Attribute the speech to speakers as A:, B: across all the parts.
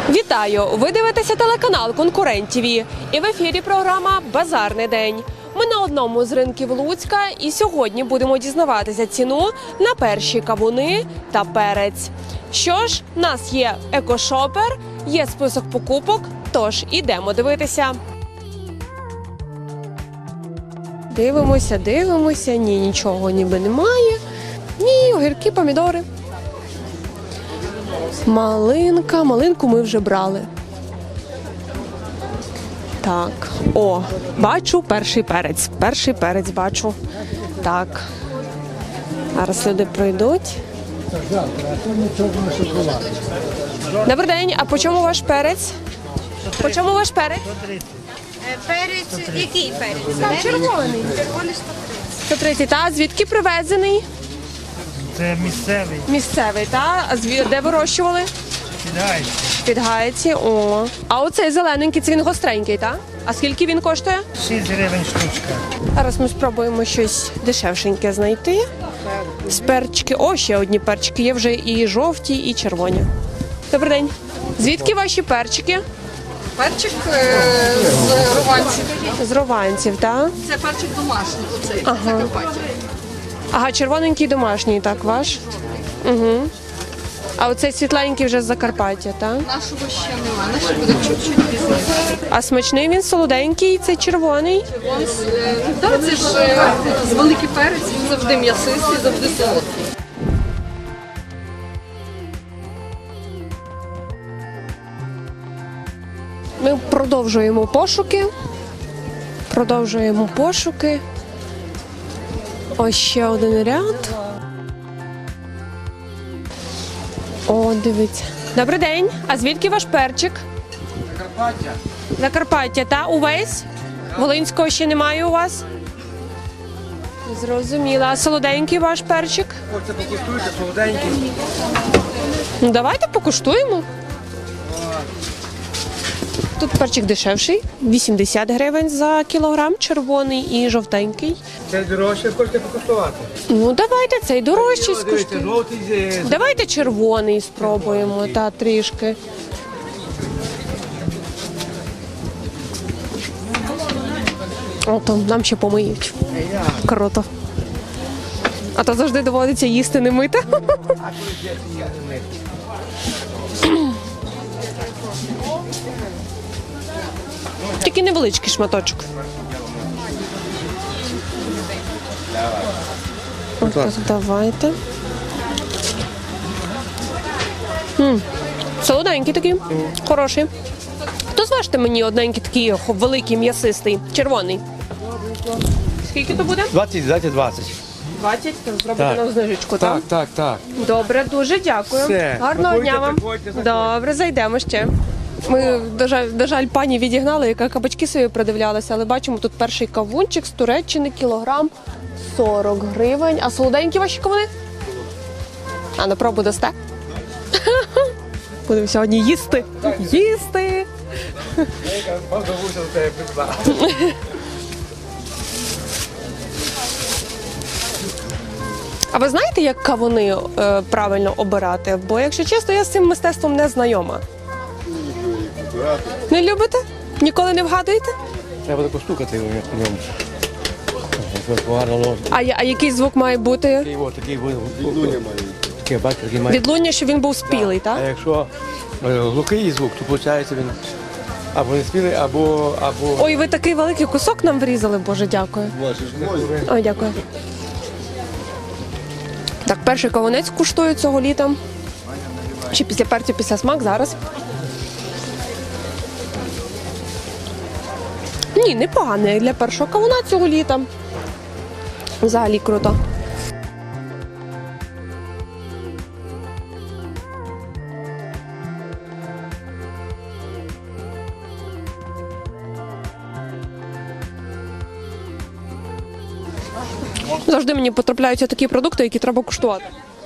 A: Вітаю! Ви дивитеся телеканал «Конкурент ТВ» і в ефірі програма «Базарний день». Ми на одному з ринків Луцька і сьогодні будемо дізнаватися ціну на перші кавуни та перець. Що ж, в нас є екошопер, є список покупок, тож ідемо дивитися. Дивимося, ні, нічого ніби немає. Ні, огірки, помідори. Малинку ми вже брали. Так, бачу перший перець бачу. Так, зараз люди пройдуть. Добрий день, а по чому ваш перець? По чому ваш перець?
B: Перець, який перець?
A: Там червоний.
B: Червоний
A: 130, та звідки привезений?
C: Це місцевий,
A: Місцевий, та? А де вирощували?
C: кидається.
A: Під Гайці, А оцей зелененький, це він гостренький, так? А скільки він коштує?
C: 6 гривень штучка.
A: Зараз ми спробуємо щось дешевшеньке знайти. З перчики. Ще одні перчики. Є вже і жовті, і червоні. Добрий день. Звідки ваші перчики?
B: Перчик з руванців.
A: З Рованців, так?
B: Це перчик домашній, оцей,
A: Ага.
B: Закарпаття.
A: Ага, червоненький домашній, так, ваш? Угу. А оцей світленький вже з Закарпаття, так?
B: Нашого ще немає, наш буде чуть-чуть пізніше.
A: А смачний він солоденький, цей червоний?
B: Так, це ж з великий перець, він завжди м'ясистий, завжди солодкий.
A: Ми продовжуємо пошуки. Ось ще один ряд. Дивіться. Добрий день. А звідки ваш перчик?
C: Закарпаття.
A: Закарпаття, та? Увесь? Волинського ще немає у вас? Зрозуміла. А солоденький ваш перчик?
C: Оце покуштуйте, солоденький.
A: Ну, давайте покуштуємо. Тут перчик дешевший, 80 гривень за кілограм, червоний і жовтенький.
C: Це дорожче, хочете покуштувати?
A: Ну, давайте цей дорожчий
C: Дивіться,
A: скуштуємо.
C: жовтий,
A: Давайте червоний спробуємо, та трішки. Там нам ще помиють. Круто. А то завжди доводиться їсти не мити. Такий невеличкий шматочок. Так, давайте. Солоденький такий, хороший. То зважте мені одненький такий великий, м'ясистий, червоний. Скільки то буде?
C: 20.
A: 20, то зробите
C: Так.
A: нам знижечку, так?
C: Так.
A: Добре, дуже дякую.
C: Все.
A: Гарного
C: Заходьте,
A: дня вам.
C: заходьте.
A: Добре, зайдемо ще. Ми, на жаль, пані відігнали, яка кабачки собі придивлялася, але бачимо, тут перший кавунчик з Туреччини, кілограм 40 гривень. А солоденькі ваші кавуни? А на пробу дасте? Будемо сьогодні їсти. Їсти! А ви знаєте, як кавуни правильно обирати? Бо, якщо чесно, я з цим мистецтвом не знайома. Не любите? Ніколи не вгадуєте?
C: Треба таку стукати в ньому. Гарно ложно.
A: А який звук має бути?
C: Такий відлуння має. Такий, бачите, такий має.
A: Відлуння, щоб він був спілий,
C: А
A: так?
C: якщо глухий звук, то виходить він або не спілий, або...
A: Ой, ви такий великий кусок нам врізали, Боже, дякую. Ой, дякую. Так, перший кавунець куштую цього літа. Чи після перцю, після смак зараз. Ні, непоганий для першого кавуна цього літа. Взагалі круто. Завжди мені потрапляються такі продукти, які треба куштувати.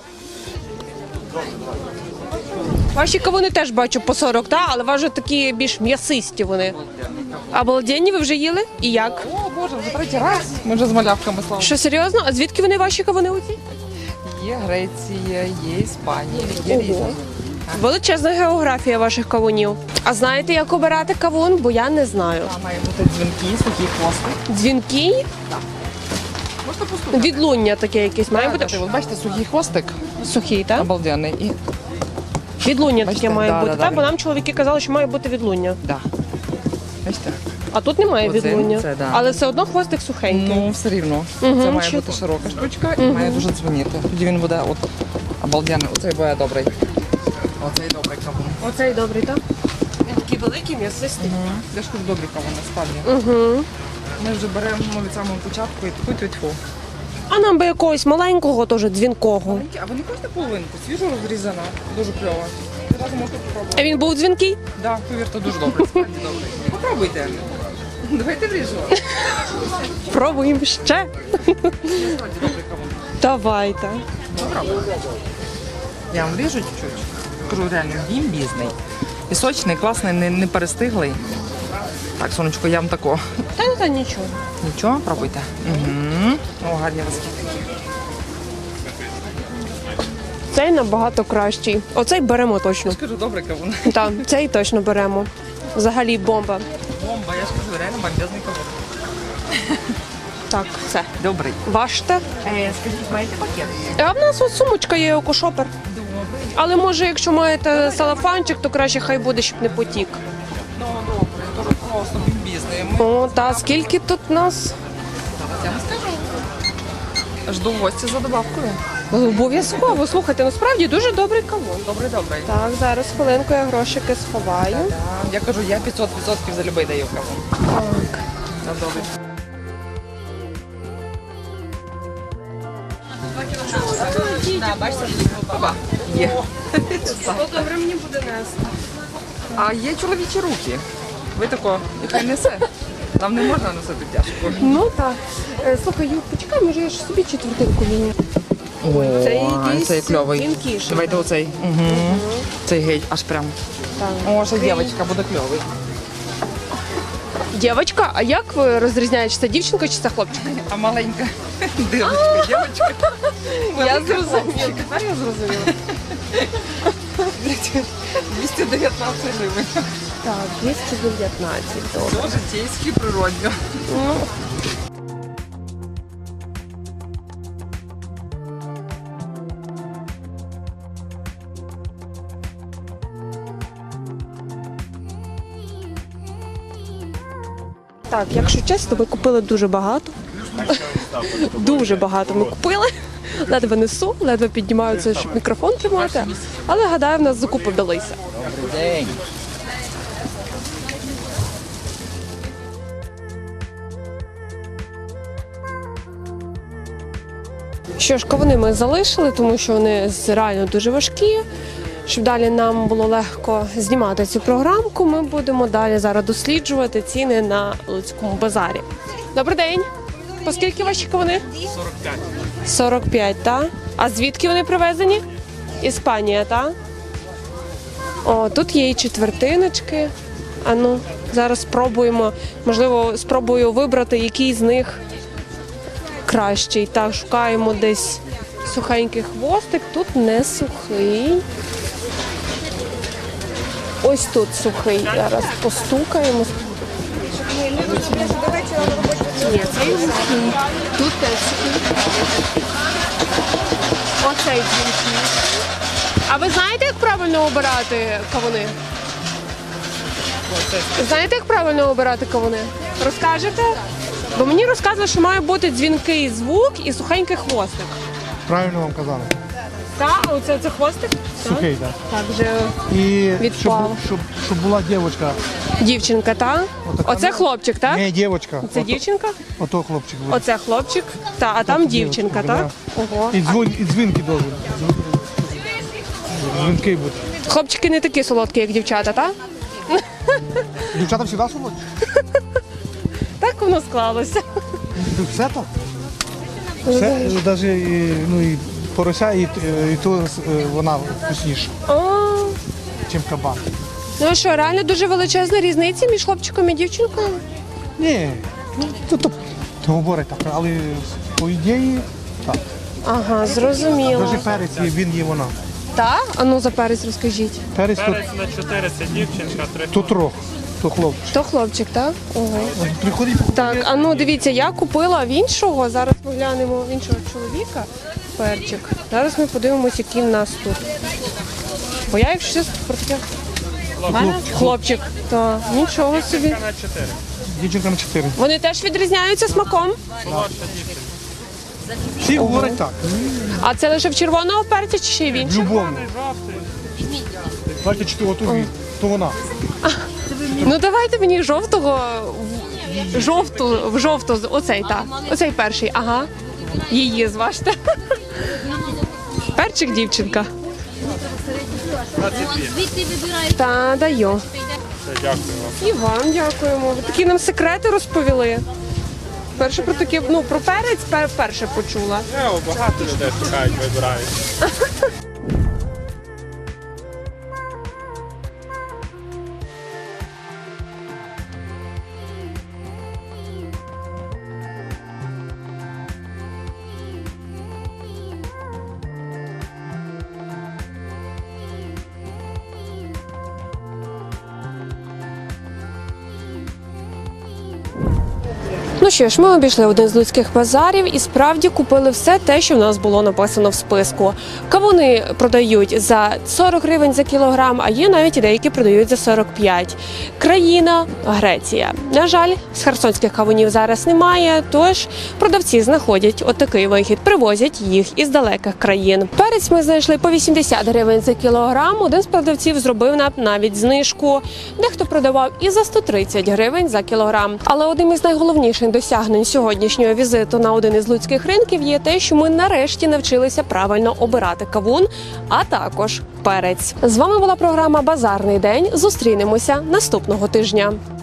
A: Ваші кавуни теж бачу по 40, так? Але ваші такі більш м'ясисті вони. А балденні ви вже їли? І як?
D: О, Боже, вже третій раз. Ми вже з малявками слава.
A: Що, серйозно? А звідки вони ваші кавуни оці?
D: Є Греція, є Іспанія, є
A: Ого.
D: різні.
A: Величезна географія ваших кавунів. А знаєте, як обирати кавун? Бо я не знаю.
D: Там має бути дзвінки, сухі хвости.
A: Дзвінкий?
D: Можете постукати.
A: Відлуння таке якесь має бути.
D: От бачите, сухий хвостик,
A: Сухий, так?
D: обалденний. І,
A: Відлуння
D: Бачите,
A: таке має
D: да,
A: бути,
D: да,
A: так?
D: да.
A: Бо нам чоловіки казали, що має бути відлуння.
D: да. Бачите?
A: А тут немає
D: Оце,
A: відлуння.
D: це да.
A: Але все одно хвостик сухенький.
D: Ну, все рівно. Це має бути широка штучка і має дуже дзвоніти. Тоді він буде от обалденний. Оцей буде добрий. Оцей добрий кавун.
A: Оцей добрий, так? Він такий великий, м'ясистий.
D: Я ж кажу, добрий кавун, насправді. Ми вже беремо від самого початку і тьфу-тьфу-тьфу.
A: А нам би якогось маленького, теж дзвінкого.
D: Маленькі, а ви не хочете половинку? Свіжо розрізана, дуже кльово. Одразу можете попробувати.
A: А він був дзвінкий?
D: Так, повірте, дуже добре. Справді добре. Попробуйте. Давайте вріжемо.
A: Пробуємо ще.
D: Справді добрий кавун.
A: Давайте.
D: Попробуйте. Я вам ріжу чуть-чуть. Кажу, реально, він бізний. І сочний, класний, не перестиглий. Так, сонечко, я вам тако.
A: Та нічого.
D: Нічого, пробуйте. Угу. О, гарні розкіти.
A: Цей набагато кращий. Оцей беремо точно.
D: Скажу, добрий кавун.
A: Так, цей точно беремо. Взагалі бомба.
D: Бомба, я ж кажу, реально бомбезний кавун.
A: Так, все.
D: Добрий.
A: Важте.
D: Скажіть, маєте пакет?
A: А в нас от сумочка є екошопер. Але може, якщо маєте салафанчик, то краще хай буде, щоб не потік.
D: Ну, добре, дуже просто, бомбізний.
A: О, та скільки тут нас?
D: Я вам скажу. Жду в гості за добавкою.
A: Обов'язково. Слухайте, насправді дуже добрий кавун.
D: Добрий.
A: Так, зараз хвилинку я грошики сховаю.
D: Я кажу, я 500% за любий даю кавун.
A: Так.
D: Добре. Є.
A: Добре мені буде нести.
D: А є чоловічі руки. Ви тако, яка несе. Нам не можна носити тяжко.
A: Ну так. Слухай, Юр, почекай, може я ж собі четвертинку візьму. Цей якийсь
D: цей кльовий.
A: тонкіший.
D: Давайте оцей. Угу. Цей геть, аж прям.
A: Так.
D: О, ще дівчинка буде кльовий.
A: Дівчинка, а як ви розрізняєте, чи це дівчинка, чи це хлопчик?
D: А маленька дівчинка, дівчинка.
A: Я зрозуміла. Тепер я зрозуміла.
D: 219 гривень.
A: Так, 219. Добре.
D: Все житейське, природньо.
A: Ну. Так, якщо чесно, ми купили дуже багато. Дуже багато ми купили. Ледве несу, ледве піднімаються, щоб мікрофон тримати. Але гадаю, в нас закупи вдалися.
D: День.
A: Що ж, кавуни ми залишили, тому що вони реально дуже важкі. Щоб далі нам було легко знімати цю програмку, ми будемо далі зараз досліджувати ціни на Луцькому базарі. Добрий день! По скільки ваші кавуни? 45. 45, так? А звідки вони привезені? Іспанія, так? О, тут є і четвертиночки. А ну, зараз спробуємо, можливо, спробую вибрати, який з них кращий. Так, шукаємо десь сухенький хвостик. Тут не сухий. Ось тут сухий. Зараз постукаємо. Ні, цей сухий. Тут теж сухий. Оцей сухий. А ви знаєте, як правильно обирати кавуни? Знаєте, як правильно обирати кавуни? Розкажете? Бо мені розказували, що має бути дзвінкий звук і сухенький хвостик.
E: Правильно вам казали.
A: Так, а оце це хвостик?
E: Сухий, так.
A: Так, вже
E: І
A: Відпав.
E: щоб була дівчинка.
A: дівчинка, так?
E: Отака,
A: Оце
E: ну,
A: хлопчик, так?
E: Не дівчинка.
A: Це дівчинка?
E: Ото хлопчик буде.
A: Оце хлопчик, та, а там дівчинка,
E: дівчинка,
A: так? Ого.
E: І дзвінки довгі. Дзвінки будуть.
A: Хлопчики не такі солодкі, як дівчата, так?
E: Дівчата завжди солодкі.
A: Так воно склалося.
E: Все так. Все, навіть і порося, і то вона вкусніша,
A: О,
E: ніж кабан.
A: ну що, реально дуже величезна різниця між хлопчиком і дівчинкою?
E: Ні, то говорить так, але по ідеї так.
A: Ага, зрозуміло.
E: Навіть перець, він є вона.
A: Так? А ну за перець розкажіть.
E: Перець тут,
F: Перець на 4 це дівчинка, 3
E: тут рог, то хлопчик.
A: То хлопчик, так? Ого.
E: Приходить,
A: Так, а ну дивіться, я купила в іншого. Зараз ми глянемо в іншого чоловіка перчик. Зараз ми подивимося, який в нас тут. Бо я, якщо чесно, про таке. Хлопчик. Так, нічого собі.
F: на 4.
E: дівчинка на 4.
A: Вони теж відрізняються смаком.
E: Всі говорять так.
A: А це лише в червоного перця чи ще й в іншому?
E: Любовно. Бачите, чи то то вона.
A: Ну давайте мені жовтого, в жовту, оцей, так. Оцей перший, ага. Її зважте. Перчик дівчинка.
G: Звідти вибирають.
A: Та даю.
F: Дякую вам.
A: І вам дякуємо. Ви такі нам секрети розповіли. Перше про таке, ну про перець перше почула.
F: Багато людей шукають, вибирають.
A: Ну що ж, ми обійшли один з луцьких базарів і справді купили все те, що в нас було написано в списку. Кавуни продають за 40 гривень за кілограм, а є навіть і деякі продають за 45. Країна – Греція. На жаль, з херсонських кавунів зараз немає, тож продавці знаходять отакий вихід, привозять їх із далеких країн. Перець ми знайшли по 80 гривень за кілограм, один з продавців зробив нам навіть знижку. Дехто продавав і за 130 гривень за кілограм. Але одним із найголовніших досягнень сьогоднішнього візиту на один із луцьких ринків є те, що ми нарешті навчилися правильно обирати кавун, а також перець. З вами була програма «Базарний день». Зустрінемося наступного тижня.